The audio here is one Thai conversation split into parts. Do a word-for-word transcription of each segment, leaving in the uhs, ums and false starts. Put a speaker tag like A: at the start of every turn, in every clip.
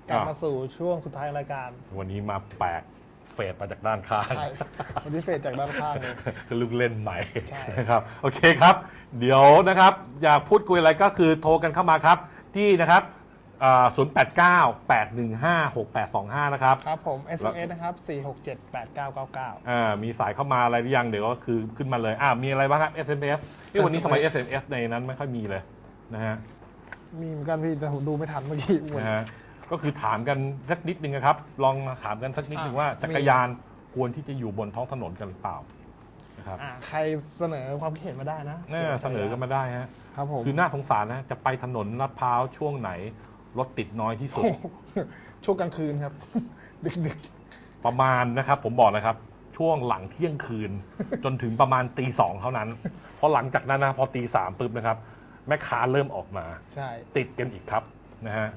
A: กลับมาสู่ช่วงสุดท้ายรายการ
B: วันนี้มาแปลกเฟดมาจากด้านข้าง
A: ใช่วันนี้เฟดจากด้านข้างเลย
B: คือลูกเล่นใหม่นะครับโอเคครับเดี๋ยวนะครับอยากพูดคุยอะไรก็คือโทรกันเข้ามาครับที่นะครับศูนย์ แปด เก้า แปด หนึ่ง ห้า หก แปด สอง ห้านะครับ
A: ครับผม เอส เอ็ม เอส นะครับสี่ หก เจ็ด แปด เก้า เก้า เก้า
B: อ่ามีสายเข้ามาอะไรหรือยังเดี๋ยวก็คือขึ้นมาเลยอ่ามีอะไรบ้างครับ เอส เอ็ม เอส ที่วันนี้ทำไม เอส เอ็ม เอส ในนั้นไม่ค่อยมีเลยนะฮะ
A: มีเหมือนกันพี่แต่ผมดูไม่ทันเมื่อกี้
B: นะฮะก็คือถามกันสักนิดนึงนะครับลองถามกันสักนิดนึงว่าจักรยานควรที่จะอยู่บนท้องถนนกันหรือเปล่านะครับ
A: ใครเสนอความคิดเห็นมาได้นะ
B: เสนอกันมาได้ฮะ
A: ครับผม
B: คือน่าสงสารนะจะไปถนนลาดพร้าวช่วงไหนรถติดน้อยที่สุด
A: ช่วงกลางคืนครับดึก
B: ๆประมาณนะครับผมบอกนะครับช่วงหลังเที่ยงคืนจนถึงประมาณตีสองเท่านั้นเพราะหลังจากนั้นนะพอตีสามปุ๊บนะครับแม่ค้าเริ่มออกมา
A: ใช่
B: ติดกันอีกครับนะฮะ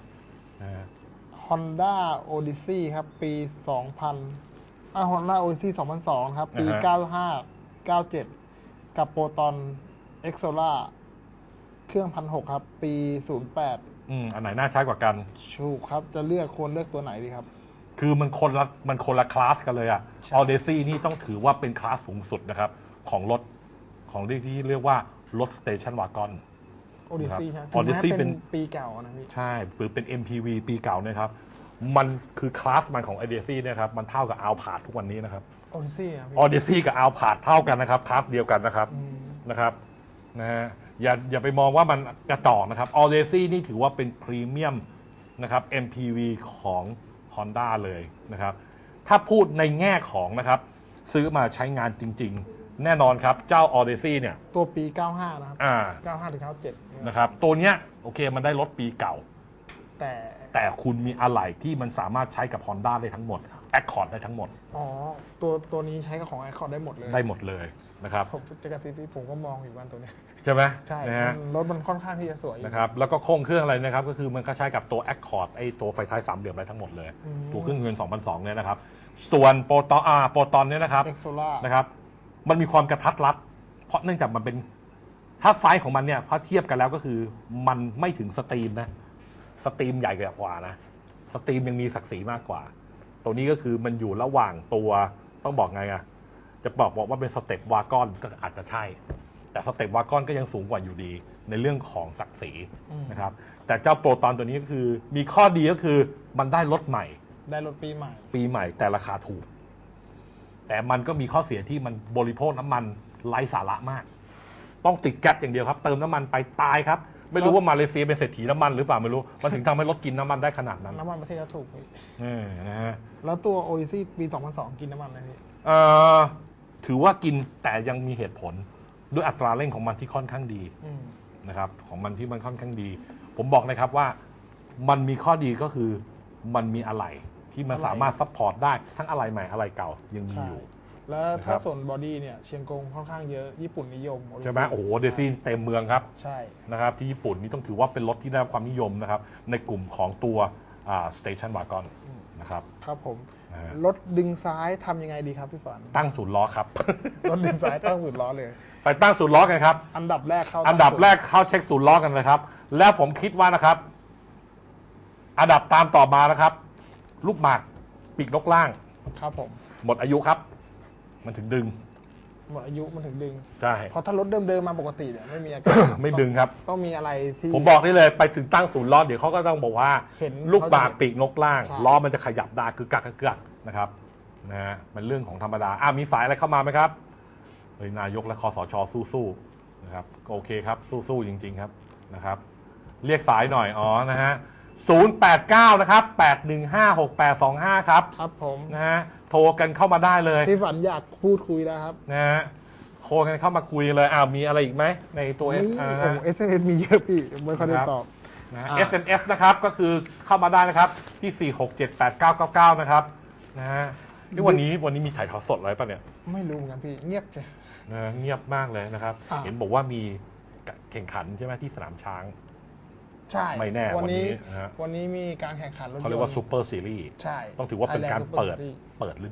A: Honda Odyssey ครับปีสองพันอ่า Honda Odyssey สองพันสองครับปีเก้าห้า เก้าเจ็ดกับ Proton Exola เครื่อง หนึ่งพันหกร้อย ครับปีศูนย์แปด
B: อืมอันไหนน่าใช้กว่ากัน
A: ถูกครับจะเลือกควรเลือกตัวไหนดีครับ
B: คือมันคนละมันคนละคลาสกันเลยอะ Odyssey นี่ต้องถือว่าเป็นคลาสสูงสุดนะครับของรถของที่เรียกว่ารถสเตชันวากอน
A: Odyssey ใช่ Odyssey เป็นปีเก่านะพี่
B: ใช่หรือเป็น เอ็ม พี วี ปีเก่านะครับมันคือคลาสมันของ Odyssey เนี่ยครับมันเท่ากับ Alphard ทุกวันนี้นะครับ
A: Odyssey อ่ะ
B: Odyssey กับ Alphard เท่ากันนะครับคลาสเดียวกันนะครับนะครับนะฮะอย่าอย่าไปมองว่ามันกระจอกนะครับ Odyssey นี่ถือว่าเป็นพรีเมียมนะครับ เอ็ม พี วี ของ Honda เลยนะครับถ้าพูดในแง่ของนะครับซื้อมาใช้งานจริงๆแน่นอนครับเจ้า Odyssey เนี่ย
A: ตัวปีเก้าห้านะครับ
B: อ่า
A: เก้าห้าถึงเก้าเจ็ด
B: นะครับตัวเนี้ยโอเคมันได้รถปีเก่า
A: แต่
B: แต่คุณมีอะไหล่ที่มันสามารถใช้กับ Honda ได้ทั้งหมด Accord ได้ทั้งหมด
A: อ๋อตัวตัวนี้ใช้กับของ Accord ได้หมดเลย
B: ได้หมดเลยนะครับ
A: ผมจะกระซิบที่ผมก็มองอยู่บ้านตัวนี้
B: ใช่ไหม
A: ใช่รถมันค่อนข้างที่จะสวย
B: นะครับแล้วก็โครงเครื่องอะไรนะครับก็คือมันก็ใช้กับตัว Accord ไอตัวไฟท้ายสามเหลี่ยมได้ทั้งหมดเลยตัวเครื่องยนต์สองพันสองเนี่ยนะครับส่วนโปรตอนอ่าโปรตอนเนี่ยนะครับนะครับมันมีความกระทัดรัดเพราะเนื่องจากมันเป็นถ้าไซส์ของมันเนี่ยถ้าเทียบกันแล้วก็คือมันไม่ถึงสตรีมนะสตรีมใหญ่กว่านะสตรีมยังมีศักดิ์ศรีมากกว่าตัวนี้ก็คือมันอยู่ระหว่างตัวต้องบอกไงอะจะบอกบอกว่าเป็นสเต็ปวากอนก็อาจจะใช่แต่สเต็ปวากอนก็ยังสูงกว่าอยู่ดีในเรื่องของศักดิ์ศรีนะครับแต่เจ้าโปรตอนตัวนี้ก็คือมีข้อดีก็คือมันได้รถใหม่
A: ได้รถปีใหม่
B: ปีใหม่แต่ราคาถูกแต่มันก็มีข้อเสียที่มันบริโภคน้ำมันไร้สาระมากต้องติดแก๊สอย่างเดียวครับเติมน้ำมันไปตายครับไม่รู้ว่ามาเลเซียเป็นเศรษฐีน้ำมันหรือเปล่าไม่รู้มันถึงทำให้รถกินน้ำมันได้ขนาดนั้น
A: น้ำมันประเทศเราถูก
B: เออนะฮะ
A: แล้วตัว Odyssey ปีสองพันสองกินน้ำมันไหมพี่
B: เอ่อถือว่ากินแต่ยังมีเหตุผลด้วยอัตราเร่งของมันที่ค่อนข้างดีนะครับของมันที่มันค่อนข้างดีผมบอกนะครับว่ามันมีข้อดีก็คือมันมีอะไหล่ที่มันสามารถซัพพอร์ตได้ทั้งอะไหล่ใหม่อะไหล่เก่ายังมีอยู่
A: แล้วถ้าส่วนบอดี้เนี่ยเชียงกงค่อนข้างเยอะญี่ปุ่นนิยม
B: ใช่ไหมโอ้โหเดซี่เต็มเมืองครับ
A: ใช่
B: นะครับที่ญี่ปุ่นนี่ต้องถือว่าเป็นรถที่ได้รับความนิยมนะครับในกลุ่มของตัวสเตชันวากอนนะครับ
A: ครับผมรถดึงซ้ายทำยังไงดีครับพี่ฝัน
B: ตั้งศูนย์ล้อครับ
A: รถดึงซ้ายตั้งศูนย์ล้อเลย
B: ไปตั้งศูนย์ล้อกันครับ
A: อันดับแรกเข้า
B: อันดับแรกเข้าเช็คศูนย์ล้อกันเลยครับแล้วผมคิดว่านะครับอันดับตามต่อมานะครับลูกหมากปีกนกล่าง
A: ครับผม
B: หมดอายุครับมันถึงดึง
A: หมดอายุมันถึงดึง
B: ใช่
A: เพราะถ้ารถเดิมๆมาปกติเนี่ยไม่มีอาการ
B: ไม่ดึงครับ
A: ต้องมีอะไรที่
B: ผมบอกได้เลยไปถึงตั้งศูนย์ล้อเดี๋ยวเขาก็ต้องบอกว่าเห็นลูกหมากปีกนกล่างล้อมันจะขยับได้คือกักกักนะครับนะฮะมันเรื่องของธรรมดาอ่ะมีสายอะไรเข้ามาไหมครับเฮ้ยนายกและคสช.สู้ๆนะครับโอเคครับสู้ๆจริงๆครับนะครับเรียกสายหน่อยอ๋อนะฮะศูนย์ แปด เก้านะครับแปด หนึ่ง ห้า หก แปด สอง ห้าครับ
A: ครับผม
B: นะฮะโทรกันเข้ามาได้เลย
A: พี่ฝันอยากพูดคุยแล้วครับ
B: นะฮะโทรกันเข้ามาคุยเลยอ้าวมีอะไรอีกไหมในตัว
A: เอส โอ้เอส เอ็ม เอส มีเยอะพี่ไม่ค่อยได้ตอบ
B: นะ เอส เอ็ม เอส นะครับก็คือเข้ามาได้นะครับที่สี่ หก เจ็ด แปด เก้า เก้า เก้านะครับนะฮะนี่วันนี้วันนี้มีถ่ายทอดสดอะไรป่ะเนี่ย
A: ไม่รู้เหมือนกันพี่เงียบจ้ะ
B: นะเงียบมากเลยนะครับเห็นบอกว่ามีแข่งขันใช่ไหมที่สนามช้าง
A: ใช่
B: ไม่แน่วันนี้
A: วันนี้มีการแข่งขันรถยนต์
B: เขาเรียกว่าซูเปอร์ซีรีส์
A: ใช่
B: ต้องถือว่าเป็นการเปิดเปิดฤดู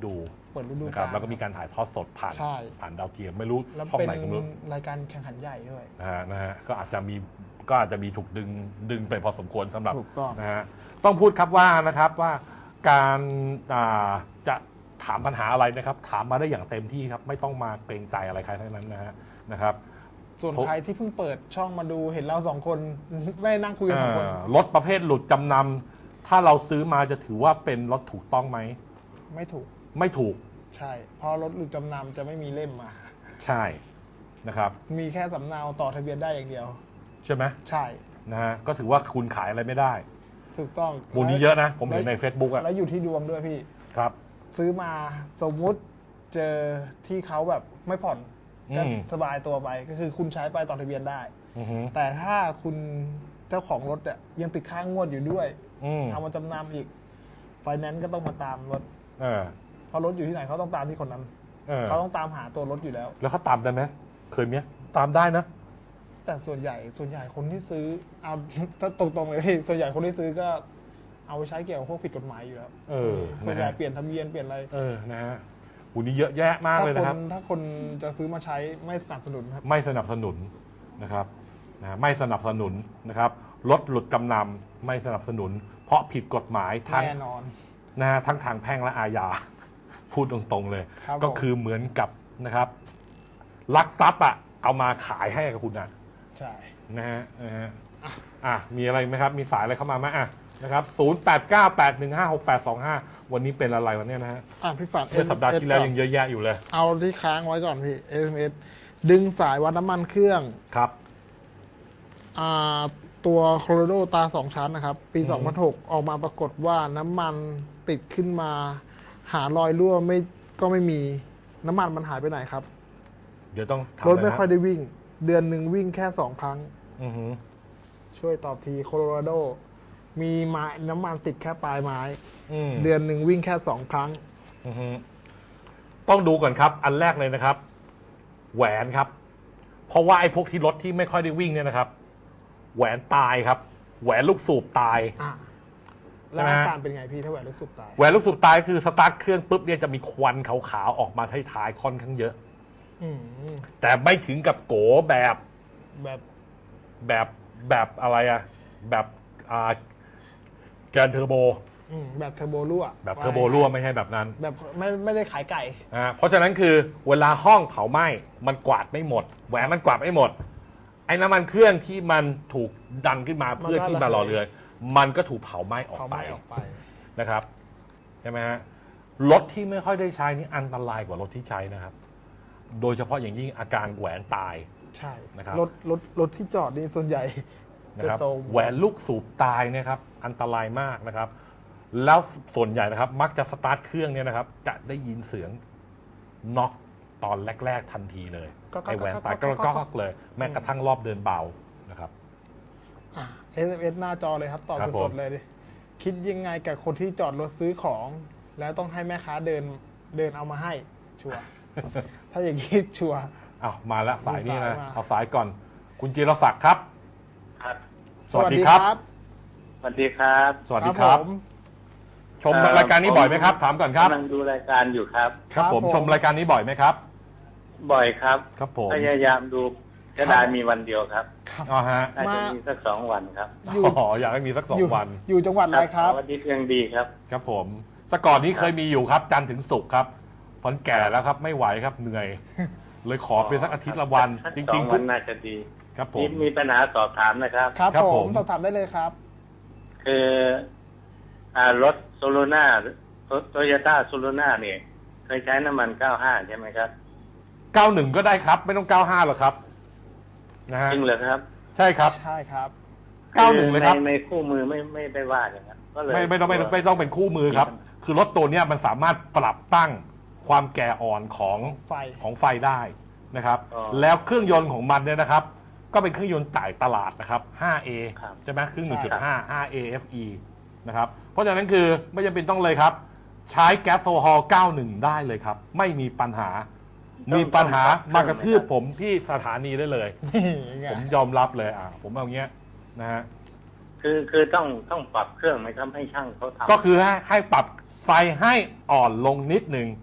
A: เปิดฤดู
B: นะค
A: กา
B: รับ
A: ล
B: แล้วก็มีการถ่ายทอดสดผ่าน
A: ใช่
B: ผ่านดาวเทียมไม่รู้
A: แล้ว
B: ช่อง
A: เป็น
B: ไหนก็ไม่รู้
A: รายการแข่งขันใหญ่ด้วย
B: นะฮะนะฮะก็อาจจะมีก็อาจจะมีถูกดึงดึงไปพอสมควรสำหรับ
A: ถูกต้อง
B: นะฮะต้องพูดครับว่านะครับว่าการอ่าจะถามปัญหาอะไรนะครับ ถามมาได้อย่างเต็มที่ครับไม่ต้องมาเกรงใจอะไรใครทั้งนั้นนะฮะนะครับ
A: ส่วน
B: ผม
A: ใครที่เพิ่งเปิดช่องมาดูเห็นเราสองคน ไม่ได้นั่งคุยกันสองคน
B: เอ่อรถประเภทหลุดจำนำถ้าเราซื้อมาจะถือว่าเป็นรถถูกต้องไหม
A: ไม่ถูก
B: ไม่ถูก
A: ใช่ เพราะรถหลุดจำนำจะไม่มีเล่มมา
B: ใช่นะครับ
A: มีแค่สำเนาต่อทะเบียนได้อย่างเดียว
B: ใช่ไหม
A: ใช่
B: นะฮะก็ถือว่าคุณขายอะไรไม่ได้
A: ถูกต้อง
B: มูลนี้เยอะนะ ผมเห็นใน Facebook อะ
A: แล้วอยู่ที่ดวงด้วยพี่
B: ครับ
A: ซื้อมาสมมุติเจอที่เขาแบบไม่ผ่อนก็
B: อืม
A: สบายตัวไปก็คือคุณใช้ไปต่อทะเบียนได้
B: อือฮึ
A: แต่ถ้าคุณเจ้าของรถอ่ะยังติดค้างงวดอยู่ด้วย
B: อืม
A: เอามาจำนำอีกไฟแนนซ์ก็ต้องมาตามรถ
B: เออ
A: เพราะรถอยู่ที่ไหนเขาต้องตามที่คนนั้น
B: เออ
A: เขาต้องตามหาตัวรถอยู่แล้ว
B: แล้วเขาตามได้ไหมเคยไหมตามได้นะ
A: แต่ส่วนใหญ่ส่วนใหญ่คนที่ซื้อเอา ถ้าตรงๆเลยพี่ส่วนใหญ่คนที่ซื้อก็เอาไปใช้เกี่ยวกับพวกผิดกฎหมายอยู่แล้ว
B: เออ
A: ส่วนใหญ่
B: นะฮะ
A: เปลี่ยนทะเบียนเปลี่ยนอะไร
B: เออนะฮะมูลนี้เยอะแยะมาก
A: ถ้า
B: เลย
A: ค
B: นะครับ
A: นถ้าคนจะซื้อมาใช้ไม่สนับสนุนครับ
B: ไม่สนับสนุนนะครับนะไม่สนับสนุนนะครับรถหลุดกำนำไม่สนับสนุน เพราะผิดกฎหมายทั้ง
A: แน่นอน
B: นะฮะทั้งทางแพ่งและอาญา พูดตรงๆเลย
A: ครับ
B: ก็
A: ผม
B: คือเหมือนกับนะครับลักทรัพย์อ่ะเอามาขายให้กับคุณอ่ะ
A: ใช่
B: นะฮะนะฮะอ่ะมีอะไรไหมครับมีสายอะไรเข้ามาไหมอ่ะนะครับศูนย์แปดเก้าแปดหนึ่งห้าหกแปดสองห้าวันนี้เป็นอะไรวันนี้นะฮะ
A: อ่ะพี่ฝัน
B: เมื่อสัปดาห์ที่แล้วยังเยอะแยะอยู่เลย
A: เอาที่ค้างไว้ก่อนพี่ เอส เอ็ม เอส ดึงสายวัดน้ำมันเครื่อง
B: ครับ
A: อ่าตัวโคโลโดตาสองชั้นนะครับ ปี
B: อือฮึ
A: สองพันหกออกมาปรากฏว่าน้ำมันติดขึ้นมา หารอยรั่วไม่ก็ไม่มีน้ำมันมันหายไปไหนครับ
B: เดี๋ยวต้องทำ
A: รถไม่
B: นะฮะ
A: ค่อยได้วิ่ง เดือนหนึ่งวิ่งแค่สองครั้ง
B: อือหือ
A: ช่วยตอบทีโคโลราโด มีไม้น้ำมันติดแค่ปลายไม้
B: อืม
A: เดือนหนึ่งวิ่งแค่สองครั้ง
B: อือฮึต้องดูก่อนครับ อันแรกเลยนะครับ แหวนครับ เพราะว่าไอ้พวกที่รถที่ไม่ค่อยได้วิ่งเนี่ยนะครับ แหวนตายครับ แหวนลูกสูบตาย
A: อ่ะแล้ว
B: ใช่ไหม
A: อา
B: ฮะ
A: การเป็นไงพี่ถ้าแหวนลูกสุดตาย
B: แหวนลูกสูบตายคือสตาร์ทเครื่องปุ๊บเนี่ยจะมีควันขาวๆออกมาท้ายๆค่อนข้างเยอะ
A: อืม
B: แต่ไม่ถึงกับโกแบบ
A: แบบ
B: แบบแบบอะไรอะแบบอ่าแกนเทอร์โบ
A: อืมแบบเทอร์โบรั่ว
B: แบบเทอร์โบรั่วไม่ใช่แบบนั้น
A: แบบไม่ไม่ได้ขายไก่
B: อ่าเพราะฉะนั้นคือเวลาห้องเผาไหม้มันกวาดไม่หมด แหวนมันกวาดไม่หมด ไอ้น้ำมันเครื่องที่มันถูกดันขึ้นมาเพื่อที่มารอเรือ มันก็ถูกเผาไหม้ออก
A: เขา
B: ไป
A: ไม่ออกไป
B: นะครับใช่ไหมฮะรถที่ไม่ค่อยได้ใช้นี่อันตรายกว่ารถที่ใช้นะครับ โดยเฉพาะอย่างยิ่งอาการแหวนตาย
A: ใช่
B: นะครับ
A: รถรถรถที่จอดนี่ส่วนใหญ่
B: นะครับ
A: จะทรง
B: แหวนลูกสูบตายเนะครับอันตรายมากนะครับ แล้วส่วนใหญ่นะครับ มักจะสตาร์ทเครื่องเนี่ยนะครับ จะได้ยินเสียงน็อกตอนแรก ๆ ทันทีเลย
A: ก็ก็
B: ไอแหวนตาย
A: ก็
B: ก็
A: ก็
B: ก็เลย แม้กระทั่งรอบเดินเบานะครับ
A: อ่ะ เอส เอ็ม เอส หน้าจอเลยครับตอบ
B: ครับผ
A: ส
B: ม
A: ดๆเลยดิคิดยังไงกับคนที่จอดรถซื้อของ แล้วต้องให้แม่ค้าเดินเดินเอามาให้ ชัวร์ ถ้าอย่างนี้ชัวร์
B: อ้าวมาแล้วสายนี้
A: มี
B: นะ
A: สายมา
B: เอาสายก่อน คุณจิรศักดิ์ครับ
C: ครับ
B: สวัสดีครับ
C: สวัสดีครับ
B: สวัสดีครับ
A: ผม
B: ชมรายการนี้บ่อยไหมครับ ถามก่อนครับ
C: กำลังดูรายการอยู่ครับ
B: ครับผมชมรายการนี้บ่อยไหมครับ
C: บ่อยครับ
B: ครับผม
C: พยายามดูจะได้มีวันเดียวครับ
A: ครับ
B: อ๋อฮะ
C: น่าจะ
A: มา
C: มีสักสองวันครับ
A: อยู่
B: อ๋ออยากให้มีสักสอง
A: อยู่
B: วัน
A: อยู่จังหวัดอะไรครับ
C: เสาร์อาทิตย์ยังดีครับ
B: ครับผมแต่ก่อนนี้เคยมีอยู่ครับจันทร์ถึงศุกร์ครับพอนแก่แล้วครับไม่ไหวครับเหนื่อย เลยขอเป็นสักอาทิตย์ละวัน จ
C: สอ
B: ริง
C: ง
B: ๆ
C: วั
B: ทุ
C: น
B: ก
C: น่าจะดี
B: ครับผ
C: มี
B: ม
C: มีปัญหาสอบถามนะครับ
A: ครับ
B: ครับ
A: ผ
B: ผม ม
A: สอบถามได้เลยครับ
C: คืออ่ารถโซโลนาโตโยต้าโซโลนาเนี่ย เคยใช้น้ำมันเก้าห้าใช่ไหมครับ
B: เก้าสิบก็ได้ครับ ไม่ต้องเก้าสิบห้าหรอกครับนะฮะ
C: จริงเหรอครับ
B: ใช่ครับ
A: ใช่ครับ
B: เก้าสิบเลยครับ
C: ในในคู่มือไม่ไม่ได้ว่าอย่างนั้นก็เลย
B: ไม่ไม่ต้องไม่ไม่ต้องเป็นคู่มือครับ คือรถตัวเนี้ยมันสามารถปรับตั้งความแก่อ่อนของ
A: ไฟ
B: ของไฟได้นะครับ แล้วเครื่องยนต์ของมันเนี่ยนะครับ ก็เป็นเครื่องยนต์จ่ายตลาดนะครับ ห้าเอ
C: ครับ
B: ใช่ไหมเครื่อง หนึ่งจุดห้า ห้าเอ เอฟ อี นะครับ เพราะฉะนั้นคือไม่จำเป็นต้องเลยครับ ใช้แก๊สโซฮอล์เก้าสิบได้เลยครับ ไม่มีปัญหา มีปัญหามากระทืบผมที่สถานีได้เลย
A: นี่ไง
B: ผมยอมรับเลยอ่าผมเอาเงี้ยนะฮะ
C: คือคือต้องต้องปรับเครื่องไหมครับให้ช่างเขาทำ
B: ก็คือให้ให้ปรับไฟให้อ่อนลงนิดหนึ่งท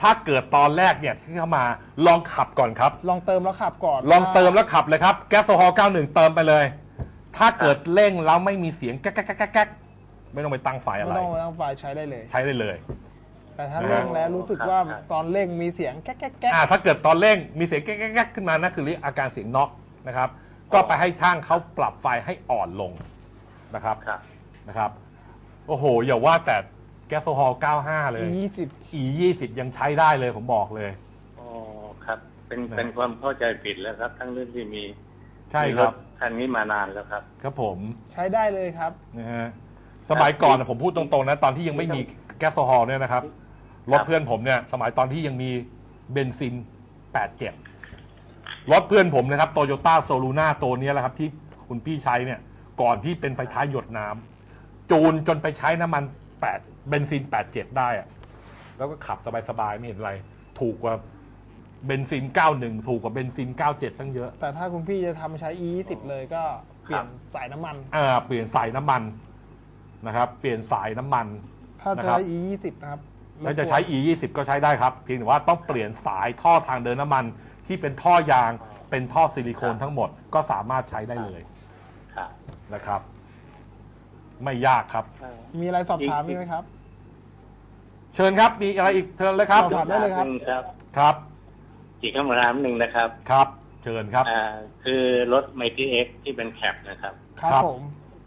B: ถ้าเกิดตอนแรกเนี่ยที่เข้ามาลองขับก่อนครับ
A: ลองเติมแล้วขับก่อน
B: ลองเติมแล้วขับเลยครับแก๊สโซฮอล์เก้าสิบเอ็ดเติมไปเลยถ้าเกิดเร่งแล้วไม่มีเสียงแก๊กแก๊กแก๊กแก๊กไม่ต้องไปตั้งไฟอะไร
A: ไม่ต้องไปตั้งไฟใช้ได้เลย
B: ใช้ได้เลย
A: แต่ถ้าเร่งแล้วรู้สึกว่าตอนเร่งมีเสียงแก๊กแก๊กแก๊ก
B: ถ้าเกิดตอนเร่งมีเสียงแก๊กแก๊กแก๊กขึ้นมานั่นคืออาการเสียงน็อกนะครับก็ไปให้ช่างเขาปรับไฟให้อ่อนลงนะครับนะครับโอ้โหอย่าว่าแต่แก๊สโซฮอล์เก้าสิบห้าเลย
A: อี ยี่สิบ
B: อี ยี่สิบ ยังใช้ได้เลยผมบอกเลย
C: อ๋อครับเป็นเป็นความเข้าใจผิดแล้วครับทั้งเรื่องที่มี
B: ใช่ครับ
C: คันนี้มานานแล้วครับ
B: ครับผม
A: ใช้ได้เลยครับ
B: นะฮะสมัยก่อนผมพูดตรงๆนะตอนที่ยังไม่มีแก๊สโซฮอล์เนี่ยนะครับรถเพื่อนผมเนี่ยสมัยตอนที่ยังมีเบนซินแปดสิบเจ็ดรถเพื่อนผมนะครับโตโยต้าโซลูน่าตัวนี้แหละครับที่คุณพี่ใช้เนี่ยก่อนที่เป็นไฟท้ายหยดน้ำจูนจนไปใช้น้ำมันแปดเบนซินแปดสิบเจ็ดได้อะแล้วก็ขับสบายๆไม่เห็นอะไรถูกกว่าเบนซินเก้าสิบเอ็ดถูกกว่าเบนซินเก้าสิบเจ็ดตั้งเยอะ
A: แต่ถ้าคุณพี่จะทำใช้ อี ยี่สิบ เลยก็เปลี่ยนสายน้ำมัน
B: อ่าเปลี่ยนสายน้ำมันนะครับเปลี่ยนสายน้ำมัน
A: ถ้าจะใช้ อี ยี่สิบ นะครับ
B: ถ้าจะใช้ อี ยี่สิบ ก็ใช้ได้ครับเพียงแต่ว่าต้องเปลี่ยนสายท่อทางเดินน้ำมันที่เป็นท่อยางเป็นท่อซิลิโคนทั้งหมดก็สามารถใช้ได้เลยนะครับไม่ยากครับ
A: มีอะไรสอบถามไหมครับ
B: เชิญครับมีอะไรอีกเชิญเลยครับ
A: สอบถามได้เลยครับ
B: ครับ
C: อีกคำถามหนึ่งนะครับ
B: ครับเชิญครับ
C: อ่าคือรถไมตี้เอ็กที่เป็นแคปนะครับ
A: ครับผม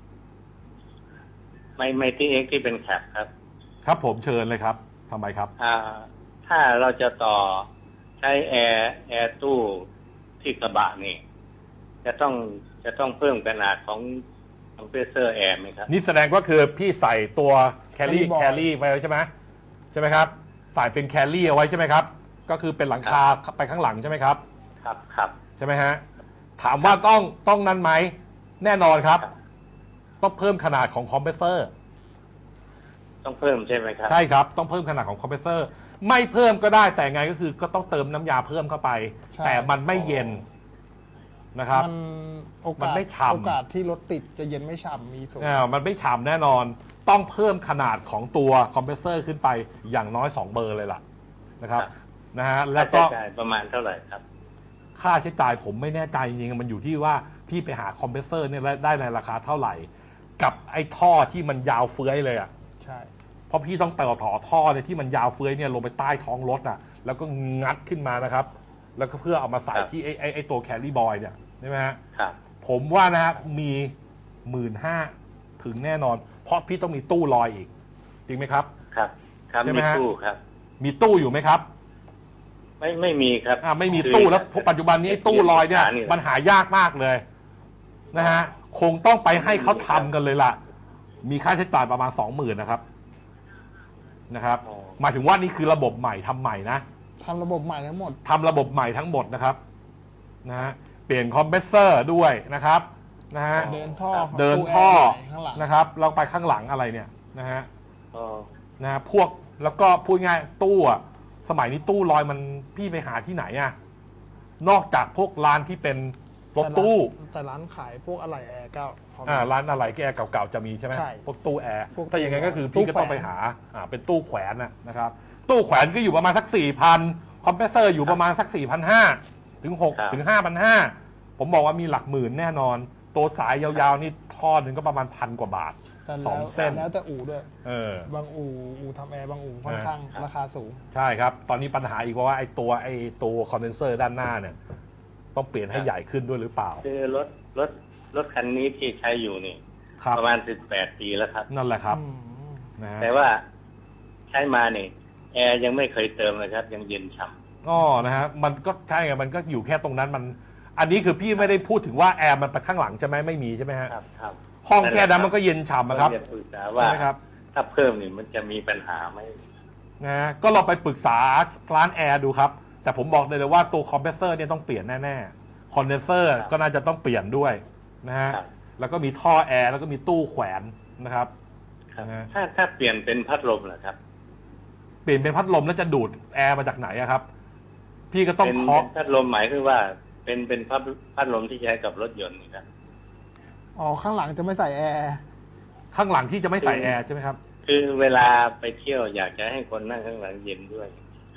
C: ไมไมตี้เอ็กที่เป็นแคปครับ
B: ครับผมเชิญเลยครับทำไมครับ
C: อ่าถ้าเราจะต่อใช้แอร์แอร์ตู้ที่กระบะนี่จะต้องจะต้องเพิ่มขนาดของคอมเพรสเซอร์แอร์ไหมครับ
B: นี่แสดงว่าคือพี่ใส่ตัวแคลรี่แคลรี่ไว้ใช่ไหมใช่ไหมครับใส่เป็นแคลรี่เอาไว้ใช่ไหมครับก็คือเป็นหลังคาไปข้างหลังใช่ไหมครับ
C: ครับครับ
B: ใช่ไหมฮะถามว่าต้องต้องนั้นไหมแน่นอนครับต้องเพิ่มขนาดของคอมเพรสเซอร์
C: ต้องเพิ่มใช่ไหมครับ
B: ใช่ครับต้องเพิ่มขนาดของคอมเพรสเซอร์ไม่เพิ่มก็ได้แต่ไงก็คือก็ต้องเติมน้ำยาเพิ่มเข้าไปแต่มันไม่เย็นนะครับ
A: มันโอกาส
B: ไม่ฉ่ำ
A: โอกาสที่รถติดจะเย็นไม่ฉ่ำมีสูง
B: อ่ามันไม่ฉ่ำแน่นอนต้องเพิ่มขนาดของตัวคอมเพรสเซอร์ขึ้นไปอย่างน้อยสองเบอร์เลยล่ะนะครับนะฮะแล้วก็
C: ประมาณเท่าไหร่ครับ
B: ค่าใช้จ่ายผมไม่แน่ใจจริงๆมันอยู่ที่ว่าพี่ไปหาคอมเพรสเซอร์เนี่ยได้ในราคาเท่าไหร่กับไอ้ท่อที่มันยาวเฟื้อยเลยอ่ะ
A: ใช่
B: เพราะพี่ต้องต่อต่อท่อเนี่ยที่มันยาวเฟื้อยเนี่ยลงไปใต้ท้องรถอ่ะแล้วก็งัดขึ้นมานะครับแล้วก็เพื่อเอามาใส่ที่ไอ้ไอ้ไอ้ตัวแคลรี่บอยเนี่ยใช่ไหมฮะ
C: ครับ
B: ผมว่านะฮะมีหมื่นห้าถึงแน่นอนเพราะพี่ต้องมีตู้ลอยอีกจริงไหมครับ
C: ครับครับมีตู้ครับ
B: มีตู้อยู่ไหมครับ
C: ไม่ไม่มีครับ
B: อ่าไม่มีตู้แล้วปัจจุบันนี้ตู้ลอยเนี่ยมันหายากมากเลยนะฮะคงต้องไปให้เขาทำกันเลยล่ะมีค่าใช้จ่ายประมาณสองหมื่นนะครับนะครับหมายถึงว่านี่คือระบบใหม่ทำใหม่นะ
A: ทำระบบใหม่ทั้งหมด
B: ทำระบบใหม่ทั้งหมดนะครับนะฮะเปลี่ยนคอมเพรสเซอร์ด้วยนะครับนะฮะ
A: เดินท่อ
B: เดินท่อนะครับเราไปข้างหลังอะไรเนี่ยนะฮะนะฮะพวกแล้วก็พูดง่ายตู้อะสมัยนี้ตู้ลอยมันพี่ไปหาที่ไหนอะนอกจากพวกร้านที่เป็นรถตู้
A: แต่ร้านขายพวกอะไหล่แอร์ก็
B: อ่าร้านอะไหล่แอร์เก่าๆจะมีใช่ไหมพวกตู้แอร์ถ้าอย่างงั้นก็คือพี่ก็ต้องไปหาอ่าเป็นตู้แขวนนะครับตู้แขวนก็อยู่ประมาณสักสี่พันคอมเพรสเซอร์อยู่ประมาณสักสี่พันห้าถึงหกถึงห้าพันห้าผมบอกว่ามีหลักหมื่นแน่นอนตัวสายยาวๆนี่ท่อหนึ่งก็ประมาณพันกว่าบาทสองเส้น
A: แล้วแต่อู่ด้วย
B: เออบ
A: างอู่อู่ทำแอร์บางอู่ค่อนข้างราคาสูง
B: ใช่ครับตอนนี้ปัญหาอีกว่าไอ้ตัวไอ้ตัวคอนเดนเซอร์ด้านหน้าเนี่ยต้องเปลี่ยนให้ใหญ่ขึ้นด้วยหรือเปล่า
C: คือรถรถรถคันนี้ที่ใช้อยู่นี่ประมาณสิบแปดปีแล้วครับ
B: นั่นแหละครับนะ
C: แต่ว่าใช้มาเนี่ยแอร์ยังไม่เคยเติมเลยครับยังเย็นฉ่ำ
B: อ๋อนะฮะมันก็ใช่ไงมันก็อยู่แค่ตรงนั้นมันอันนี้คือพี่ไม่ได้พูดถึงว่าแอร์มันไปข้างหลังใช่ไหมไม่มีใช่ไหมฮะ
C: ครับครับ
B: ห้องแค่นั้นมันก็เย็นฉ่ำนะครับ
C: ปรึกษาว่าถ้าเพิ่มนี่มันจะมีปัญหาไหม
B: นะก็เราไปปรึกษาร้านแอร์ดูครับแต่ผมบอกเลยว่าตัวคอมเพรสเซอร์เนี่ยต้องเปลี่ยนแน่ๆคอนเดนเซอร์ก็น่าจะต้องเปลี่ยนด้วยนะฮะแล้วก็มีท่อแอร์แล้วก็มีตู้แขวนนะครับ
C: ถ้าถ้าเปลี่ยนเป็นพัดลมเหรอครับ
B: เปลี่ยนเป็นพัดลมแล้วจะดูดแอร์มาจากไหนครับพี่ก็ต้องเคาะ
C: พัดลมหมายคือว่าเป็นเป็นพัดพัดลมที่ใช้กับรถยนต์ครับ
A: อ๋อข้างหลังจะไม่ใส่แอร์
B: ข้างหลังที่จะไม่ใส่แอร์ใช่ไหมครับ
C: คือเวลาไปเที่ยวอยากจะให้คนนั่งข้างหลังเย็นด้วย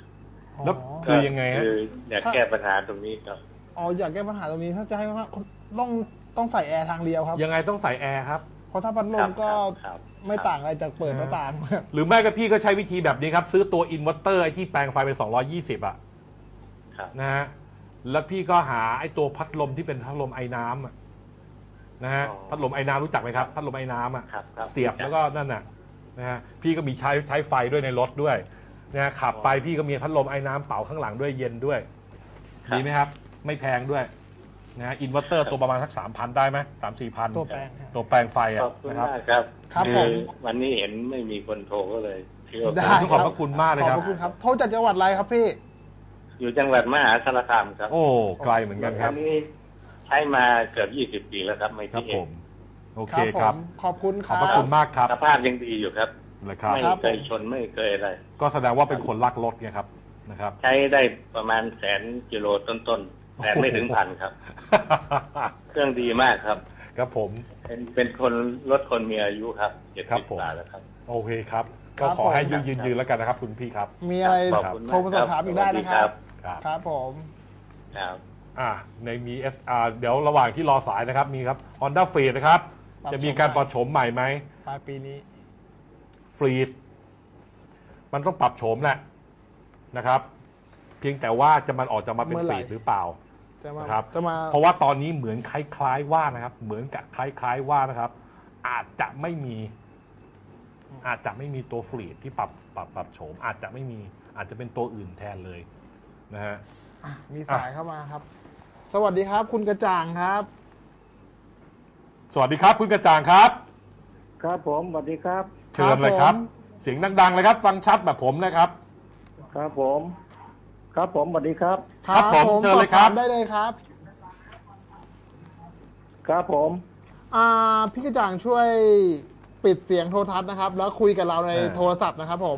B: แล้วคือยังไงฮะ
C: คืออยากแก้ปัญหาตรงนี้ครับ
A: อ๋ออยากแก้ปัญหาตรงนี้ถ้าจะให้ว่าต้องต้องใส่แอร์ทางเดียวครับ
B: ยังไงต้องใส่แอร์ครับ
A: เพราะถ้าพัดลมก็
C: ครับ
A: ไม่ต่างอะไรจากเปิดหน้าต่าง
B: หรือไม่ก็พี่ก็ใช้วิธีแบบนี้ครับ ซื้อตัวอินเวอร์เตอร์ไอ้ที่แปลงไฟเป็นสองร้อยยี่สิบอะ
C: ครับ
B: นะฮะแล้วพี่ก็หาไอ้ตัวพัดลมที่เป็นพัดลมไอ้น้ำอะนะฮะพัดลมไอ้น้ำรู้จักไหมครับพัดลมไอ้น้ำอะ
C: ครับครับ
B: เสียบแล้วก็นั่นน่ะนะฮะพี่ก็มีใช้ใช้ไฟด้วยในรถด้วยนะฮะขับไปพี่ก็มีพัดลมไอ้น้ำเป่าข้างหลังด้วยเย็นด้วยดีไหมครับ ไม่แพงด้วยนะฮะอินเวอร์เตอร์ตัวประมาณสักสามพันได้ไหมสามสี่พัน
A: ตัวแปลงฮะ
B: ตัวแปลงไฟ
C: ข
B: อะ
C: อบคุณ
B: นะครับ
C: มากครับ
A: ครับ
C: อ
A: ผม
C: วันนี้เห็นไม่มีคนโทรก็เลยคิดว่า
A: ได้
B: ขอบพระคุณมากเลย
A: ขอบ
B: ครับ
A: พระคุณครับ โทรจากจังหวัดอะไรครับพี่
C: อยู่จังหวัดมหาสารคามครับ
B: โอ้ไกลเหมือนกันครับ
C: อันนี้ใช้มาเกือบยี่สิบปีแล้วครับไม่
B: ครับ
C: ที่เอ
B: ผ
C: ง
B: มโอเคครับ
A: ผมขอบคุณค
B: ขอบ
A: รับ
B: พระคุณมากครับ
C: สภาพยังดีอยู่ครับ
B: นะครับ
C: ไม่
A: ครับ
C: เคยชนไม่เคยอะไร
B: ก็แสดงว่าเป็นคนรักรถไงครับนะครับ
C: ใช้ได้ประมาณแสนกิโลต้นๆ แต่ไม่ถึงพันครับ เครื่องดีมากครับ
B: ครับผม
C: เป็นเป็นคนรถคนมีอายุครับเจ็ด
B: ครับ
C: สิบ
B: ผม
C: กว่าแล้วครับ
B: โอเคครับ
A: ครั
B: ก็
A: บ
B: ขอให้
A: ผม
B: ยืนยืนยืนแล้วกันนะครับ คุณพี่ครับ
A: มีอะไร
C: ขอบคุณมาก
A: โทรมาสอบถามอีกได้นะครับ
B: ครับ
A: ครับผม
C: ครับ
B: อ่าในมี เอส อาร์ เดี๋ยวระหว่างที่รอสายนะครับมีครับ Honda f r e e นะครับ
A: ปรับโฉม
B: จะมีการปรับโฉมใหม่ไหม
A: ปลายปีนี้
B: ฟรีดมันต้องปรับโฉมแหละนะครับ เพียงแต่ว่าจะมันออกจะมาเป็น
A: เมื่อ
B: ฟ
A: ไหร่
B: รีดหรือเปล่า
A: จะมา
B: นะครับ
A: จะมา
B: เพราะว่าตอนนี้เหมือนคล้ายๆว่านะครับ เหมือนกับคล้ายๆว่านะครับ อาจจะไม่มี อาจจะไม่มีตัวฟรีดที่ปรับปรับปรับโฉม อาจจะไม่มีอาจจะเป็นตัวอื่นแทนเลยนะฮะ
A: อ่ะมีสายเข้ามาครับ สวัสดีครับ คุณกระจ่างครับ
B: สวัสดีครับคุณกระจ่างครับ
D: ครับผมสวัสดีครับ
B: เชิญเลยครับ
A: ผม
B: เสียงดังๆเลยครับ ฟังชัดแบบผมนะครับ
D: ครับผม ครับผมสวัสดีครับ
B: ครับผมเชิญเลยครับ
A: สอบถามได้เลยครับ
D: ครับผม
A: อ่าพี่กระจ่างช่วยปิดเสียงโทรทัศน์นะครับ แล้วคุยกับเราใน
B: เออ
A: โทรศัพท์นะครับผม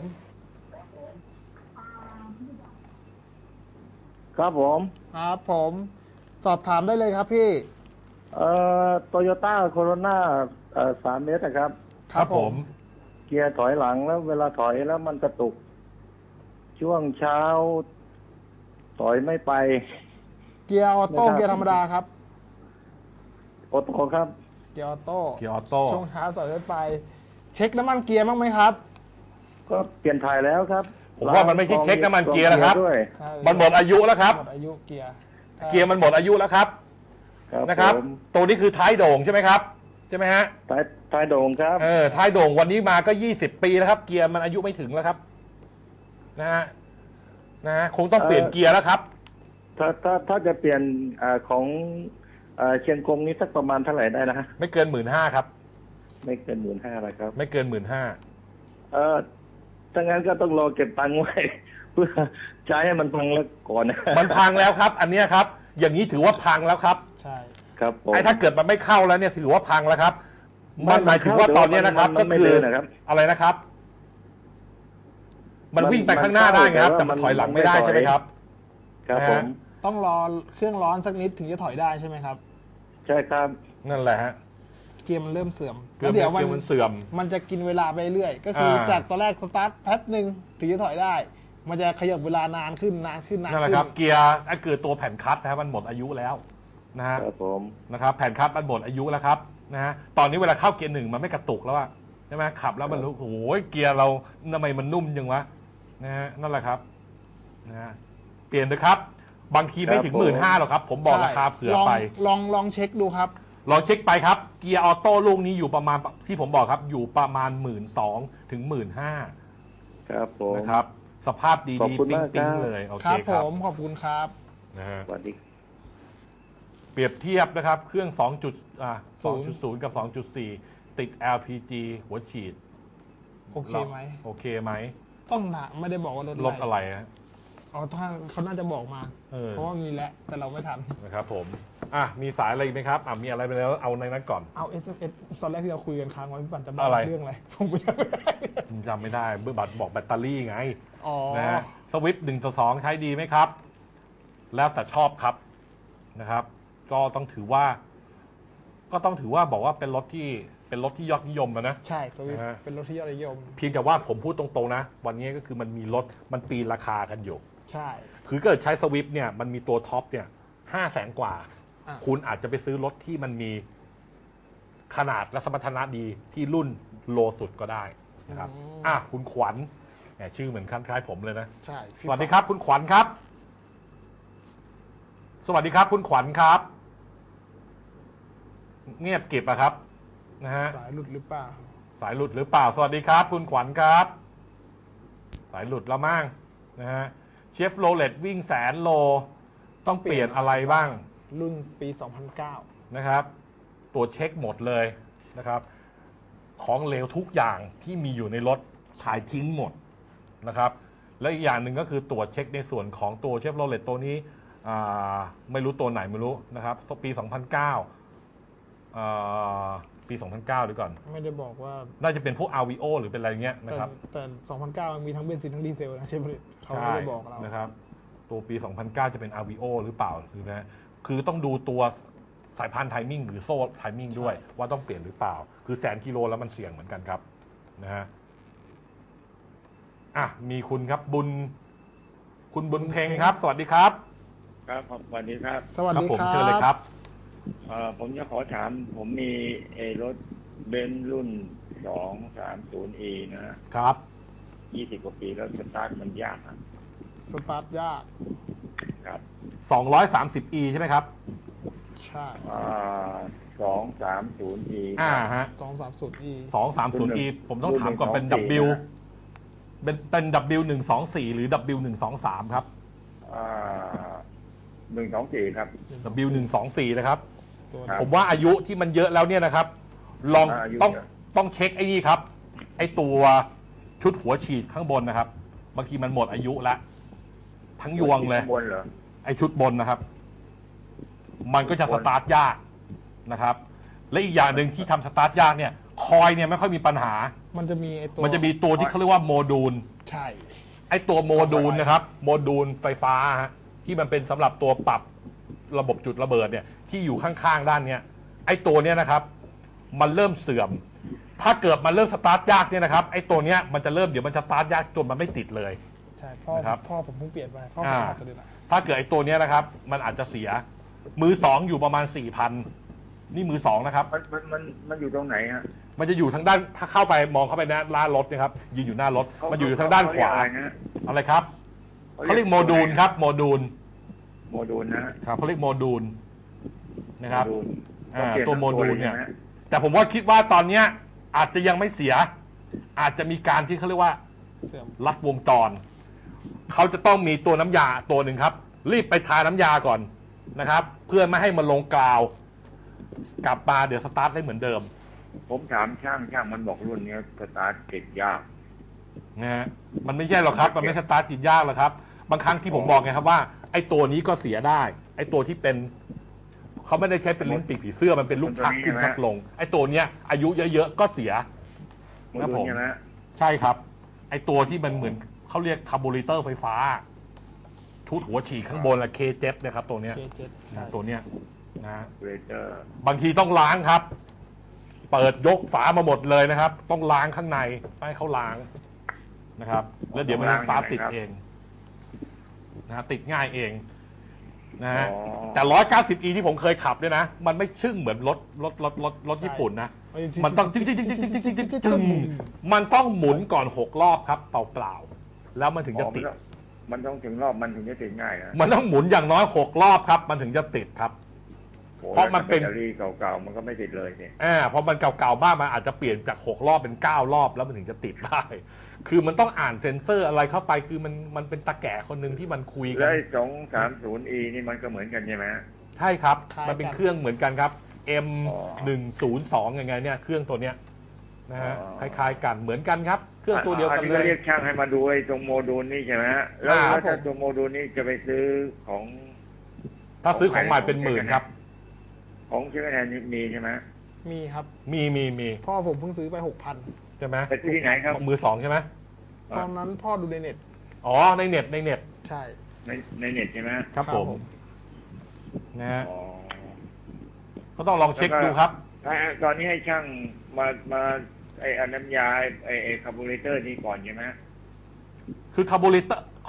D: ครับผม
A: ครับผม สอบถามได้เลยครับพี่
D: เอ่อโตโยต้าโคโรนาเอ่อสามเมตรนะครับ
B: ครับผม
D: เกียร์ถอยหลังแล้วเวลาถอยแล้วมันกระตุก ช่วงเช้า ถอยไม่ไป
A: เกียร์ออโต้
D: ไม่ทราบ
A: เกียร์ธรรมดาครับ
D: โอโต้ครับ
A: เกียร์ออโต้
B: เกียร์ออโต้
A: ช่วงเช้าสอยไป เช็คน้ำมันเกียร์บ้างไหมครับ
D: ก็เปลี่ยนถ่ายแล้วครับ
B: ผมว่ามันไม่ใช่เช็คน้ำมันเกียร์นะครับ
D: ด้วย
B: มันหมดอายุแล้วครับ
A: หมดอายุเกียร์
B: เกียร์มันหมดอายุแล้วครับ
D: ครับ
B: นะครับ
D: ผม
B: ตัวนี้คือท้ายโด่งใช่ไหมครับใช่ไหมฮะ
D: ท้ายท้ายโด่งครับ
B: เออท้ายโด่งวันนี้มาก็ยี่สิบปีแล้วครับ เกียร์มันอายุไม่ถึงแล้วครับนะฮะนะฮะคงต้องเปลี่ยนเกียร์แล้วครับ
D: ถ้าถ้าถ้าจะเปลี่ยนอาของอ่าเชียงกงนี้สักประมาณเท่าไหร่ได้นะฮะ
B: ไม่เกินหมื่นห้าครับ
D: ไม่เกินหมื่นห้าอะไรครับ
B: ไม่เกินหมื่นห้า
D: เออถ้างั้นก็ต้องรอเก็บตังค์ไว้ เพื่อใช้ให้มันพังแล้วก่อนนะ
B: มันพังแล้วครับ อันเนี้ยครับ อย่างนี้ถือว่าพังแล้วครับ
A: ใช่
D: ครับผม
B: ไอ้ถ้าเกิดมันไม่เข้าแล้วเนี่ยถือว่าพังแล้วครับ มันหมายถึงว่าตอนเนี้ยนะครับ
D: มั
B: ก็
D: ไม่
B: คือ
D: เดินนะครับ
B: อะไรนะครับ มันวิ่งไปข้างหน้าได้ไงครับ แต่มันถอยหลังไม่ได้ใช่ไหมครับ
D: ครับ
B: นะ
D: ผ
B: ฮะ
D: ม
A: ต้องรอเครื่องร้อนสักนิดถึงจะถอยได้ใช่ไหมครับ
D: ใช่ครับ
B: นั่นแหละฮะ
A: เกียร์มันเริ่มเสื่อม
B: เกือบ
A: แล้ว
B: เกียร์มันเสื่อม
A: มันจะกินเวลาไปเรื่อย ก็คืออา จากตอนแรกสตาร์ทแป๊บหนึ่งถึงจะถอยได้ มันจะขยับเวลานานขึ้นนานขึ้นนาน
B: นั่นแหละ
A: ขึ้น
B: ครับ เกียร์ไอ้เกิดตัวแผ่นคลัตช์นะครับมันหมดอายุแล้วนะฮะ
D: ครับผม
B: นะครับ แผ่นคลัตช์มันหมดอายุแล้วครับนะฮะตอนนี้เวลาเข้าเกียร์หนึ่งมันไม่กระตุกแล้วอะใช่ไหมขับแล้วมันรู้โอ้โหเกียร์เราทำไมมันนุ่มจังวะนะฮะนั่นแหละครับนะฮะเปลี่ยนเลยครับ บางทีไม่ถึงหมื่นห้าหรอกครับ ผมบอกราคาเผื่อไป
A: ลองลองลองเช็คดูครับ
B: ลองเช็คไปครับ เกียร์ออโต้ลูกนี้อยู่ประมาณที่ผมบอกครับ อยู่ประมาณหมื่นสองถึงหมื่นห้า
D: ครับผม
B: นะครับ สภาพดี
D: ขอบ
B: ๆ
D: คุณ
B: ปิ๊ง
D: มาก
B: ปิ๊ง
D: ครับ
B: เลยโอ
A: ค
B: เครับ
A: ผ
B: ครับ
A: มขอบคุณครับ
B: นะฮะ
D: สวัสดี
B: เปรียบเทียบนะครับ เครื่อง2จุดอ่า
A: ศูนย์
B: สองจุดศูนย์ กับ สองจุดสี่ ติด แอล พี จี หัวฉีด
A: โอเคไหม
B: โอเคไหม
A: ต้องถามไม่ได้บอกว่ารถ
B: รถอะไรฮะ
A: อ๋อถ้าเขาน่าจะบอกมา
B: เออ
A: เพราะว่ามีแล้วแต่เราไม่ทัน
B: นะครับผมอ่ะมีสายอะไรอีกไหมครับอ่ะมีอะไรไปแล้วเอาในนั้นก่อน
A: เอา เอส เอส ตอนแรกที่เราคุยกันค้างไว้พี่ปันจำได้
B: อะไร
A: เรื่องอะไร ผมไม่ได้
B: จำไม่ได้เบอร์บัตรบอกแบตเตอรี่ไง
A: อ๋อ
B: นะฮะสวิฟต์หนึ่งต่อสองใช้ดีไหมครับ แล้วแต่ชอบครับนะครับ ก็ต้องถือว่า ก็ต้องถือว่าบอกว่าเป็นรถที่เป็นรถที่ยอดนิยมอะนะ
A: ใช่สวิฟ
B: นะฮะ
A: เป็นรถที่ยอดนิยม
B: เพียงแต่ว่าผมพูดตรงๆนะ วันนี้ก็คือมันมีรถมันปีนราคากันอยู่
A: ใช่
B: คือเกิดใช้สวิฟเนี่ยมันมีตัวท็อปเนี่ยห้าแสนกว่า
A: อ่ะ
B: คุณอาจจะไปซื้อรถที่มันมีขนาดและสมรรถนะดีที่รุ่นโลสุดก็ได้นะครับอ่ะคุณขวัญแหมชื่อเหมือนคล้ายๆผมเลยนะ
A: ใช่พี่
B: สวัสดีครับ คุณขวัญครับ สวัสดีครับ คุณขวัญครับ เงียบเก็บอะครับนะฮะ
A: สายหลุดหรือเปล่า
B: สายหลุดหรือเปล่า สวัสดีครับ คุณขวัญครับ สายหลุดแล้วมั่งนะฮะเชฟโรเลตวิ่งแสนโล ต้องเปลี่ยนอะไรบ้าง
A: รุ่นปี สองพันเก้า
B: นะครับตรวจเช็คหมดเลยนะครับ ของเหลวทุกอย่างที่มีอยู่ในรถขายทิ้งหมดนะครับ และอีกอย่างหนึ่งก็คือตรวจเช็คในส่วนของตัวเชฟโรเลตตัวนี้อ่าไม่รู้ตัวไหนไม่รู้นะครับปี สองพันเก้าอ่าปี สองพันเก้าดีก่อน
A: ไม่ได้บอกว่า
B: น่าจะเป็นพวก อาร์ วี โอ หรือเป็นอะไรเงี้ยนะ
A: แต่
B: ครับ
A: แต่ สองพันเก้า มันมีทั้งเบนซินทั้งดีเซลนะใช่ไหมเขาไม่ได้บอกเรา
B: นะครับ ตัวปี สองพันเก้า จะเป็น อาร์ วี โอ หรือเปล่าหรือนะคือต้องดูตัวสายพานไทมิ่งหรือโซ่ไทมิ่งด้วย ว่าต้องเปลี่ยนหรือเปล่า คือแสนกิโลแล้วมันเสี่ยงเหมือนกันครับนะฮะอ่ะมีคุณครับบุญ คุณบุญเพ็งครับ สวัสดีครับ
D: ครับสวัสดีครับ
A: สวัส
B: ครับ
A: ดี
B: ผม
A: ครับ
B: เชิญเลยครับ
D: เอ่อผมจะขอถาม ผมมีไอ้รถเบนซ์รุ่นสองสามศูนย์ E นะฮะ
B: ครับ
D: ยี่สิบกว่าปีแล้วสตาร์ทมันยากครับ
A: สตาร์ทยาก
D: ครับ
B: สองร้อยสามสิบ อี ใช่ไหมครับ
A: ใช่
D: อ่าสองสามศูนย์ E
B: อ่าฮะ
A: สองสามศูนย์ E
B: สองสามศูนย์ อี ผมต้องถามก่อนเป็น
D: รุ่นหนึ่ง
B: W
D: สองสี่นะ
B: เป็นเป็น W หนึ่งสองสี่หรือ W หนึ่งสองสามครับ
D: อ่าหนึ่งสองสี่ครับ
B: W หนึ่งสองสี่นะครับ
A: ตัว
D: ครับ
B: ผมว่าอายุที่มันเยอะแล้วเนี่ยนะครับ ลอง
D: อายุ
B: ต้อง
D: เยอะ
B: ต้องเช็คไอ้นี่ครับ ไอ้ตัวชุดหัวฉีดข้างบนนะครับ บางทีมันหมดอายุแล้วทั้งยวงเลย
D: ข้างบนเหรอ
B: ไอ้ชุดบนนะครับ มันก็จะสตาร์ทยากนะครับ และอีกอย่างหนึ่งที่ทำสตาร์ทยากเนี่ย คอยเนี่ยไม่ค่อยมีปัญหา
A: มันจะมีไอตัว
B: มันจะมีตัวที่เขาเรียกว่าโมดูล
A: ใช่
B: ไอ้ตัวโมดูลนะครับ โมดูลไฟฟ้าฮะที่มันเป็นสำหรับตัวปรับระบบจุดระเบิดเนี่ยที่อยู่ข้างๆด้านเนี้ยไอ้ตัวเนี้ยนะครับ มันเริ่มเสื่อม ถ้าเกิดมันเริ่มสตาร์ทยากเนี่ยนะครับไอ้ตัวเนี้ยมันจะเริ่มเดี๋ยวมันจะสตาร์ทยากจนมันไม่ติดเลย
A: ใช่พ่อ
B: นะครับ
A: พ่อผมเพิ่งเปลี่ยนไปพ่อผม
B: อ่า
A: อาจจะเดือนละ
B: ถ้าเกิดไอ้ตัวเนี้ยนะครับ มันอาจจะเสีย มือสองอยู่ประมาณสี่พันนี่มือสองนะครับ
D: มันมันมันมันอยู่ตรงไหนฮะ
B: มันจะอยู่ทางด้านถ้าเข้าไปมองเข้าไปหน้าหน้ารถนะครับยืนอยู่หน้ารถมันอยู่ทางด้านขวา
D: เขเรียกอะไรนะ
B: อะไรครับเขาเรียกโมดูลครับโมดูล
D: โมดูลนะฮะ
B: ครับเขาเรียกโมดูลนะครับ
D: โมดูล
B: อ่า
D: ต้องเปลี่ยน
B: ตัวโมดูลเนี่ย
D: ทั้งตัวลใช่ไหม
B: แต่ผมว่าคิดว่าตอนเนี้ยอาจจะยังไม่เสีย อาจจะมีการที่เขาเรียกว่า
A: เสื่อม
B: ลัดวงจร เขาจะต้องมีตัวน้ำยาตัวหนึ่งครับ รีบไปทาน้ำยาก่อนนะครับ เพื่อไม่ให้มันลงกาว กลับมาเดี๋ยวสตาร์ทได้เหมือนเดิม
D: ผมถามช่างช่างมันบอกรุ่นเนี้ยสตาร์ทติดยาก
B: นะฮะมันไม่ใช่หรอกครับ มันไม่สตาร์ทติดยากหรอกครับ บางครั้งที่ผมบอกไงครับว่าไอ้ตัวนี้ก็เสียได้ ไอ้ตัวที่เป็นเขาไม่ได้ใช้เป็นลิ้นปีกผีเสื้อมันเป็นลูกชักขึ้นชักลง ไอ้ตัวเนี้ยอายุเยอะๆก็เสีย
D: โมดูลใช่ไหมฮะ
B: ใช่ครับ ไอตัวที่มันเหมือนเขาเรียกคาร์บูเรเตอร์ไฟฟ้า ชุดหัวฉีดข้างบนละ เค เจ็ด นะครับตัวเนี้ย
A: เคเจ็ดใช่
B: ตัวเนี้ยนะ
D: เรเตอร์
B: บางทีต้องล้างครับ เปิดยกฝามาหมดเลยนะครับ ต้องล้างข้างในไม่ให้เขาล้างนะครับ แล้วเดี๋ยวมันจะสตาร์ทติดเองนะฮะติดง่ายเองนะฮะแต่ หนึ่งร้อยเก้าสิบ อี ที่ผมเคยขับเนี่ยนะ มันไม่ชึ่งเหมือนรถรถรถรถรถญี่ปุ่นนะ มันต้องจึ๊งจึ๊งจึ๊งจึ๊งจึ๊งจึ๊งจึ๊งจึ๊งมันต้องหมุนก่อนหกรอบครับเปล่าๆแล้วมันถึงจะติด
D: มันต้องถึงรอบมันถึงจะติดง่ายนะ
B: มันต้องหมุนอย่างน้อยหกรอบครับ มันถึงจะติดครับ
D: โอ้
B: เพราะมันเป็น
D: แบตตอรี่เก่าๆมันก็ไม่ติดเลยสิ
B: อ่าเพราะมันเก่าๆมากมันอาจจะเปลี่ยนจากหกรอบเป็นเก้ารอบแล้วมันถึงจะติดได้ คือมันต้องอ่านเซ็นเซอร์อะไรเข้าไปคือมันมันเป็นตาแก่คนหนึ่งที่มันคุยกั
D: แล้
B: น
D: วสองสามศูนย์ E นี่มันก็เหมือนกันใช่ไหมฮะ
B: ใช่ครับ
A: คล้ายกัน
B: มันเป็นเครื่องเหมือนกันครับ M
D: อ๋อ
B: หนึ่งศูนย์สองยังไงเนี่ยเครื่องตัวเนี้ยนะฮะ
D: อ๋อ
B: คล้ายๆกันเหมือนกันครับ เครื่องตัวเดียวกัน
D: อัน
B: เล
D: นี้ก็
B: ย
D: เรียกช่างให้มาดูไอ้ตรงโมดูลนี่ใช่ไหมฮะแล้ว
B: อ่า
D: แล้วถ้าตัวโมดูลนี่จะไปซื้อของ
B: ถ้าซื้อของใหม่เป็นหมื่นครับ
D: ของเชื่อแทนมีใช่ไหม
A: มีครับ
B: มีมีมี
A: พ่อผมเพิ่งซื้อไปหกพัน
B: ใช่ไหม
D: ไปซื้อที่ไหนครับ
B: มือสองใช่ไหม
A: ตอนนั้นพ่อดูในเน็ต
B: อ๋อในเน็ตในเน็ต
A: ใช่
D: ในในเน็ตใช่ไหม
B: ครับ
A: ครับ
B: ผม
A: ผม
B: นะฮะ
D: อ๋อ
B: ก็ต้องลองเช็คดูครับ
D: ถ้าตอนนี้ให้ช่างมามาไอ้อันน้ำยาไอ้ไอ้คาร์บูเรเตอร์นี่ก่อนใช่ไหม
B: คือคาร์บูเรเตอร์ข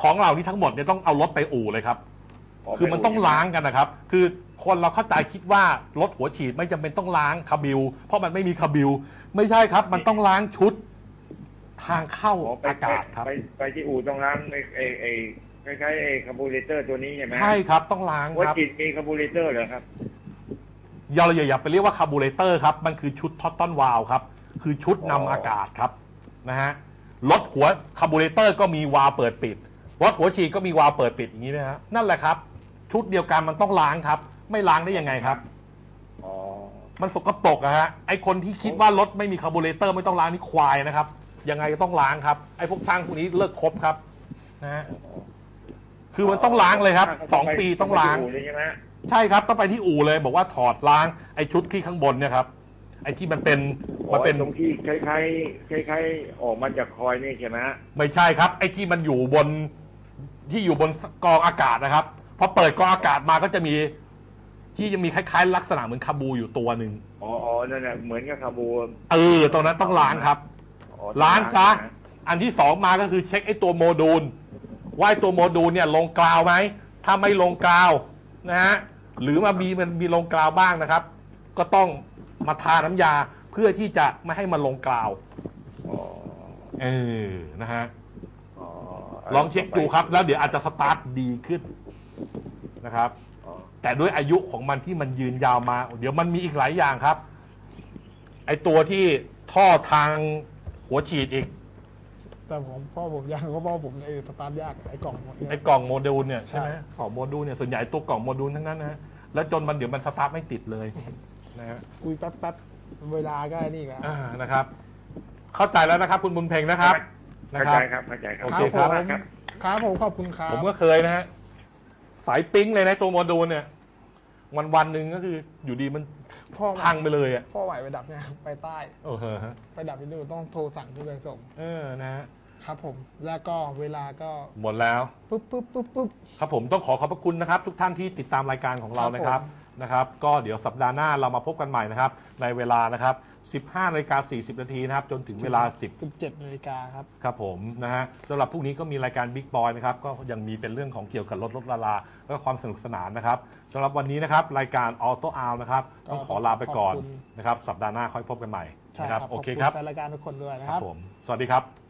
B: ของเหล่านี้ทั้งหมดเนี่ยต้องเอารถไปอู่เลยครับ คือมันต้องล้างกันนะครับ คือคนเราเข้าใจคิดว่ารถหัวฉีดไม่จำเป็นต้องล้างคาบิลเพราะมันไม่มีคาบิลไม่ใช่ครับ มันต้องล้างชุดทางเข้าอากาศครับ
E: ไปไปที่อู่ต้องล้างไอ้ไอ้ไอ้คล้ายๆไอ้คาร์บูเรเตอร์ตัวนี้ใช่ไหม
B: ใช่ครับต้องล้าง
E: หัว
B: ครับ
E: ฉีดมีคาร์บูเรเตอร์เหรอครับ
B: อย่าอย่าไปเรียกว่าคาร์บูเรเตอร์ครับมันคือชุดท็อตตอนวาลครับคือชุดนำอากาศครับนะฮะรถหัวคาร์บูเรเตอร์ก็มีวาล์วเปิดปิดรถหัวฉีดก็มีวาล์วเปิดปิดอย่างนี้นะฮะนั่นแหละครับชุดเดียวกันมันต้องล้างครับไม่ล้างได้ยังไงครับ
E: อ๋อ
B: มันสกปรกอะฮะไอคนที่คิดว่ารถไม่มีคาร์บูเรเตอร์ไม่ต้องล้างนี่ควายนะครับยังไงก็ต้องล้างครับไอพวกช่างพวกนี้เลิกคบครับนะฮะคือมันต้องล้างเลยครับสองปีต้องล้าง
E: ไปที่อู่เลยใช่ไหม
B: ใช่ครับต้องไปที่อู่เลยบอกว่าถอดล้างไอชุดที่ข้างบนเนี่ยครับไอที่มันเป็นมันเป็น
E: ตรงที่คล้ายๆคล้ายๆออกมาจากคอยนี่ใช่ไหม
B: ไม่ใช่ครับไอที่มันอยู่บนที่อยู่บนกองอากาศนะครับพอเปิดกองอากาศมาก็จะมีที่จะมีคล้ายๆลักษณะเหมือนคาบูอยู่ตัวหนึ่ง
E: อ๋ออ๋อนั่นแหละเหมือนกับคาร์บู
B: เออตรงนั้นต้องล้างครับ
E: อ๋อ
B: ล้างซะ
E: นะ
B: อันที่สองมาก็คือเช็คไอตัวโมดูลว่าไอตัวโมดูลเนี่ยลงกราวไหมถ้าไม่ลงกราวนะฮะหรือมามีมันมีลงกราวบ้างนะครับ ก็ต้องมาทาน้ำยาเพื่อที่จะไม่ให้มันลงกราว
E: อ๋อ
B: เออนะฮะ
E: อ๋อ
B: ลองเช็คดูครับแล้วเดี๋ยวอาจจะสตาร์ทดีขึ้นนะครับ
E: อ๋อ
B: แต่ด้วยอายุของมันที่มันยืนยาวมา เดี๋ยวมันมีอีกหลายอย่างครับ ไอตัวที่ท่อทางหัวฉีดอีก
A: แต่ผมพ่อผมยังก็พ่อผมไอ้สตาร์ทยากไอ้กล่องหมดเนี่ย
B: ไอกล่องโมดูลเนี่ยใช่ไหม
A: ใช่
B: กล่องโมดูลเนี่ยส่วนใหญ่ตัวกล่องโมดูลทั้งนั้นนะฮะแล้วจนมันเดี๋ยวมันสตาร์ทไม่ติดเลยนะฮะ
A: คุยแป๊บแป๊บๆเวลาก็นี่แหละ
B: อ่านะครับ เข้าใจแล้วนะครับ คุณบุญเพ็งนะครับนะ
E: เข้า
B: ครับ
E: ใจครับเข้าใจครับ
B: โอ
A: ค
B: เครับ
A: ผม
E: ครับ
A: ครับผมขอบคุณครับ
B: ผมก็เคยนะฮะสายปิ๊งเลยนะตัวโมดูลเนี่ย วันวันหนึ่งก็คืออยู่ดีมัน
A: พ่อ
B: พังไปเลยอ่ะ
A: พ่อไหวไปดับเนี่ยไปใต้
B: โอ้โหฮะ
A: ไปดับที่นู่นต้องโทรสั่งที่ไปส่ง
B: เออนะฮะ
A: ครับผมแล้วก็เวลาก็
B: หมดแล้ว
A: ปุ๊บปุ๊บปุ๊บปุ๊บ
B: ครับผมต้องขอขอบพระคุณนะครับ ทุกท่านที่ติดตามรายการของเรานะครับ
A: ครับผม
B: นะครับ ก็เดี๋ยวสัปดาห์หน้าเรามาพบกันใหม่นะครับ ในเวลานะครับ สิบห้านาฬิกาสี่สิบนาทีนะครับจนถึงเวลา 10
A: สิบเจ็ดนาฬิกาครับ
B: ครับผมนะฮะสำหรับพรุ่งนี้ก็มีรายการ Big Boy นะครับก็ยังมีเป็นเรื่องของเกี่ยวกับรถรถลาลาแล้วก็ความสนุกสนานนะครับสำหรับวันนี้นะครับรายการ Auto Out นะครับต้องขอลาไปก่อน
A: ขอบคุณ
B: นะครับสัปดาห์หน้าค่อยพบกันใหม่
A: ใช่
B: นะค
A: ค
B: รั
A: รั
B: บบ โอเค
A: ขณ
B: ครับ
A: แฟนรายการทุกคนด้วยนะ
B: ค
A: ค
B: รั
A: รั
B: บบ ผมสวัสดีครับ